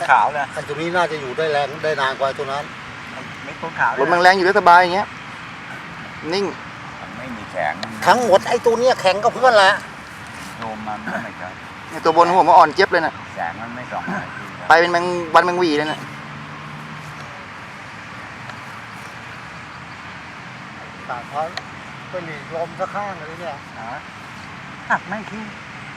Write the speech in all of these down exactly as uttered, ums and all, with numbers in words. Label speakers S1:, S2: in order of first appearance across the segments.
S1: ขาวเลย
S2: ไอ้ตัวนี้น่าจะอยู่ได้แรงได้นานกว่าตัวนั้น
S1: ไม่ต้นขาว
S3: ลมแรงๆอยู่ได้สบายอย่างเงี้ยนิ่ง
S4: ไม่มีแสง
S2: ทั้งหมดไอ้ตัวนี้แข็งกับเพื่อนแหละ
S4: โยมมันไม่ใช่
S3: ในตัวบนของผมว่าอ่อนเจี๊ยบเลยนะ
S4: แสงมันไม่ส่อง
S3: ไปเป็นแมงวันแมงวีเลยนะ
S2: ต่างเขาไปหลีกลมสักข้างเลยเนี่ย
S1: หักไม่ทิ้ง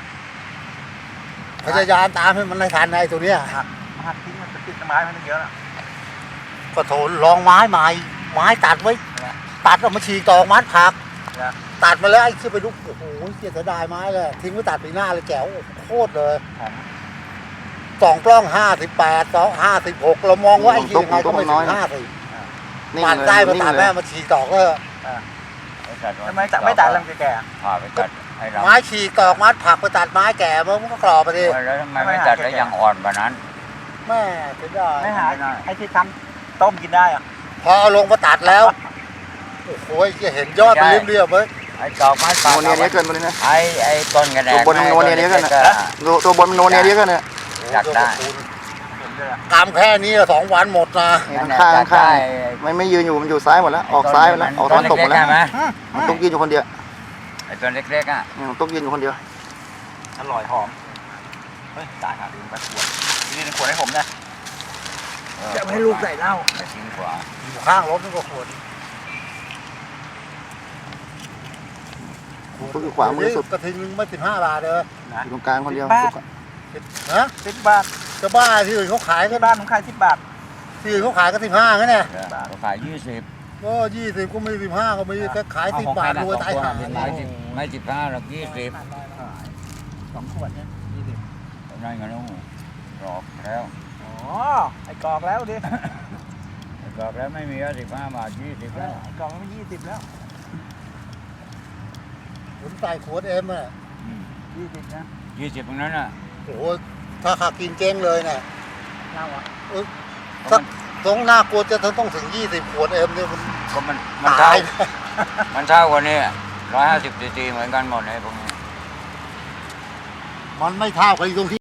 S2: พยายามตามให้มันในทันไอ้ตัวเนี้ย
S1: หักหักทิ้งมันจะติดไม้มันเยอะแล้ว
S2: ก็โถลองไม้ใหม่ไม้ตัดไว้ตัดออกมาฉีกตอกมัดผักตัดมาแล้วไอ้ขึ้นไปลุกโอ้โหเสียดายไม้เลยทิ้งไว้ตัดปีหน้าเลยแจ๋วโคตรเลยสองกล้องห้าสิบแปดสองห้าสิบหกเรามองว่าไอ้ยี่ยังไงก็ไม่ถึงห้าสิบปัดได้มาตัดแม่มาฉีกตอกก็
S1: ทำไมตัดไม่ตัดลำแก่
S4: ผ่าไปตัด
S2: ไม้ฉีกตอกมัดผักไปตัดไม้แก่มันก็กรอบไปดิ
S4: แล้วทำไมไม่ตัดแล้วยังอ่อนกว่านั้น
S2: แม่เสียดาย
S1: ไม่หาไอ้ที่ทำต้มกินได้อะ
S2: พอเอาลงมาตัดแล้วโอ้โหจะเห็นยอดมันเรียบๆไหม
S4: ไอ้ดอกไม้
S3: โนเนียนี้เกินไปเลยนะ
S4: ไอ้ไอ้ต้นกระแดง
S3: ตัวบนโนเนียนี้กันนะตัวบนโนเนียนี้กันเนี่ย
S4: อยากได้
S2: กำแค่นี้สองวันหมดนะ
S3: ข้างข้างไม่ไม่ยืนอยู่มันอยู่ซ้ายหมดแล้วออกซ้ายหมดแล้วออกตอนตกหมดแล้วต้องยืนอยู่คนเดียว
S4: ไอ้ตัวเล็กๆอ่ะ
S3: ต้องยืนอยู่คนเดียว
S1: อร่อยหอมเฮ้ยตายหาลืมไปขวดนี่ขวดให้ผมนะจะให้ลูกใส่เหล้า
S4: ทิ้งขวา
S2: อยู่ข้างรถนี่ก็ขวด
S3: ก็คือขวามือสุด
S2: กระทิงนึงไม่สิบห้าบาทเลย
S3: อยู่ตรงกลางคนเดียว
S2: ฮะ
S1: สิบบาท
S2: จะบ้าที่อื่นเขาขาย
S1: ที่บ้านผมขายสิบบาท
S2: ที่อื่นเขาขายก็สิบห้าไงเนี่ย
S4: เขาขายยี่สิบ
S2: ก็ยี่สิบก็ไม่สิบห้าก็ไม่ก็ขายสิบบาทรวยตายห่า
S4: ไม่สิบไม่สิบห้าหรอกยี่สิบ
S1: สองขวดเนี่ยยี่สิบ
S4: นั่นไงลูกกรอกแล้ว
S1: อ๋อไอ้กรอกแล้วดิ
S4: กรอกแล้วไม่มีแล้วสิบห้าบาทยี่สิบแล้ว
S1: กรอกมันยี่สิบแล้ว
S2: ผมใส่ขวดเอ็มอ่ะ
S1: ยี่สิบนะ
S4: ยี่สิบตรงนั้นอ่ะ
S2: โอ้โหถ้าขากินเจ๊งเลยเนี่ย
S1: เล่าอ่ะ
S2: เออสักตรงหน้ากลัวจะต้องถึงยี่สิบขวดเอ็มเนี่ยมัน
S4: ก็มันมันเท่ามันเท่ากว่านี้ร้อยห้าสิบซีซีเหมือนกันหมดเลยพวกนี้
S2: มันไม่เท่ากันตรงที่